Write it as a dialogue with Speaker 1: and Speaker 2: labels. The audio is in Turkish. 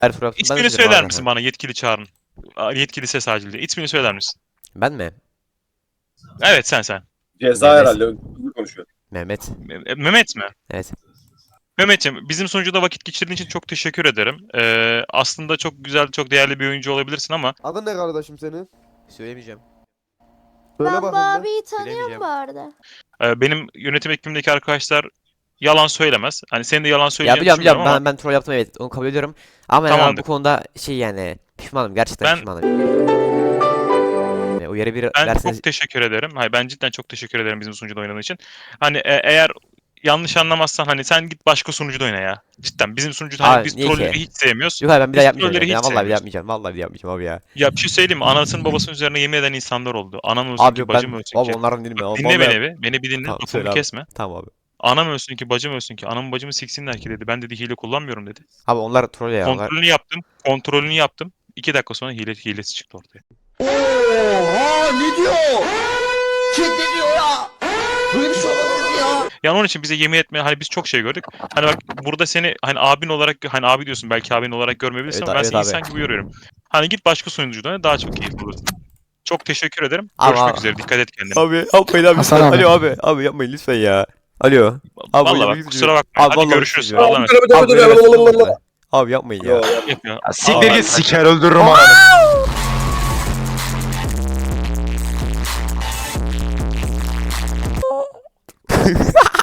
Speaker 1: Her tur yaptım. Ben de
Speaker 2: İsmini
Speaker 1: söylerim
Speaker 2: söyler
Speaker 1: abi.
Speaker 2: misin bana yetkili çağrın? Yetkili ses acil diye. İsmini söyler misin?
Speaker 1: Ben mi?
Speaker 2: Evet sen.
Speaker 3: Ceza
Speaker 1: Mehmet.
Speaker 3: herhalde. Hızlı konuşuyor.
Speaker 1: Mehmet.
Speaker 2: Mehmet mi?
Speaker 1: Evet.
Speaker 2: Mehmetciğim bizim sunucuda vakit geçirdiğin için çok teşekkür ederim. Aslında çok güzel, çok değerli bir oyuncu olabilirsin ama
Speaker 4: Adın ne kardeşim senin?
Speaker 1: Söylemeyeceğim.
Speaker 4: Söyle
Speaker 5: Ben bu
Speaker 4: bakayım bir.
Speaker 5: abiyi tanıyorum
Speaker 1: Bilemeyeceğim.
Speaker 5: bu arada.
Speaker 2: benim yönetim ekibimdeki arkadaşlar yalan söylemez. Hani senin de yalan
Speaker 1: Ya
Speaker 2: söyleyeceğini
Speaker 1: biliyorum
Speaker 2: düşünmüyorum ama
Speaker 1: ben troll yaptım, evet, onu kabul ediyorum. Ama yani
Speaker 2: Tamamdır.
Speaker 1: bu konuda şey yani pişmanım, gerçekten
Speaker 2: Ben-
Speaker 1: pişmanım. Uyarı bir
Speaker 2: ben
Speaker 1: verseniz
Speaker 2: çok teşekkür ederim. Hayır ben cidden çok teşekkür ederim bizim sunucuda oynadığın için. Hani eğer yanlış anlamazsan hani sen git başka sunucuda oyna ya. Cidden bizim sunucuda hani
Speaker 1: Abi,
Speaker 2: biz
Speaker 1: niye
Speaker 2: trolleri
Speaker 1: ki?
Speaker 2: hiç sevmiyoruz.
Speaker 1: Yok abi, ben bir
Speaker 2: Biz
Speaker 1: daha yapmayacağım
Speaker 2: trolleri
Speaker 1: ya.
Speaker 2: hiç
Speaker 1: Vallahi bir daha
Speaker 2: sevmiyoruz.
Speaker 1: yapmayacağım. Vallahi bir daha yapmayacağım abi ya.
Speaker 2: Ya bir şey söyleyeyim mi? Anasının babasının üzerine yemin eden insanlar oldu. Anam ölsün
Speaker 1: Abi
Speaker 2: ki
Speaker 1: yok,
Speaker 2: bacım
Speaker 1: ben
Speaker 2: ölsün
Speaker 1: abi
Speaker 2: ki.
Speaker 1: onların değil mi?
Speaker 2: Bak, dinle
Speaker 1: Vallahi-
Speaker 2: beni bir. Beni bir dinle.
Speaker 1: Tamam,
Speaker 2: Lafımı
Speaker 1: söyle abi.
Speaker 2: kesme.
Speaker 1: Tamam abi.
Speaker 2: Anam ölsün ki bacım ölsün ki. Anamı bacımı siksinler ki dedi. Ben dedi hile kullanmıyorum dedi.
Speaker 1: Abi onlar troll ya. Onlar...
Speaker 2: Kontrolünü yaptım. 2 dakika sonra hilesi çıktı ortaya.
Speaker 6: Oha ne diyor? Kim ne diyor ya? Böyle bir şey olabilir mi ya?
Speaker 2: Yani onun için bize yemin etme hani biz çok şey gördük. Hani bak burada seni hani abin olarak hani abi diyorsun belki abin olarak görmeyebilirsin
Speaker 1: Evet,
Speaker 2: ama ben
Speaker 1: evet
Speaker 2: seni
Speaker 1: abi.
Speaker 2: insan gibi görüyorum. Hani git başka sunucuda daha çok keyif alırsın. Çok teşekkür ederim.
Speaker 1: Ama-
Speaker 2: Görüşmek üzere. Dikkat et kendine.
Speaker 1: Abi yapmayın abi.
Speaker 6: Hasan
Speaker 1: lütfen.
Speaker 6: abi.
Speaker 1: Alo abi. Abi yapmayın lütfen ya. Alo. Abi,
Speaker 2: Vallahi
Speaker 1: oynamak
Speaker 2: bak kusura bakma.
Speaker 1: Abi
Speaker 2: Hadi
Speaker 1: vallahi
Speaker 2: görüşürüz.
Speaker 1: üzülüyorum.
Speaker 2: Allah'a emanet.
Speaker 3: Tabii, tabii,
Speaker 1: Abi,
Speaker 3: tabii,
Speaker 1: böyle
Speaker 3: tabii.
Speaker 1: versiyon olmaz. Abi yapmayın ya.
Speaker 3: Yo, yo.
Speaker 2: Yapıyor.
Speaker 6: Siktir git siker öldürürüm ananı.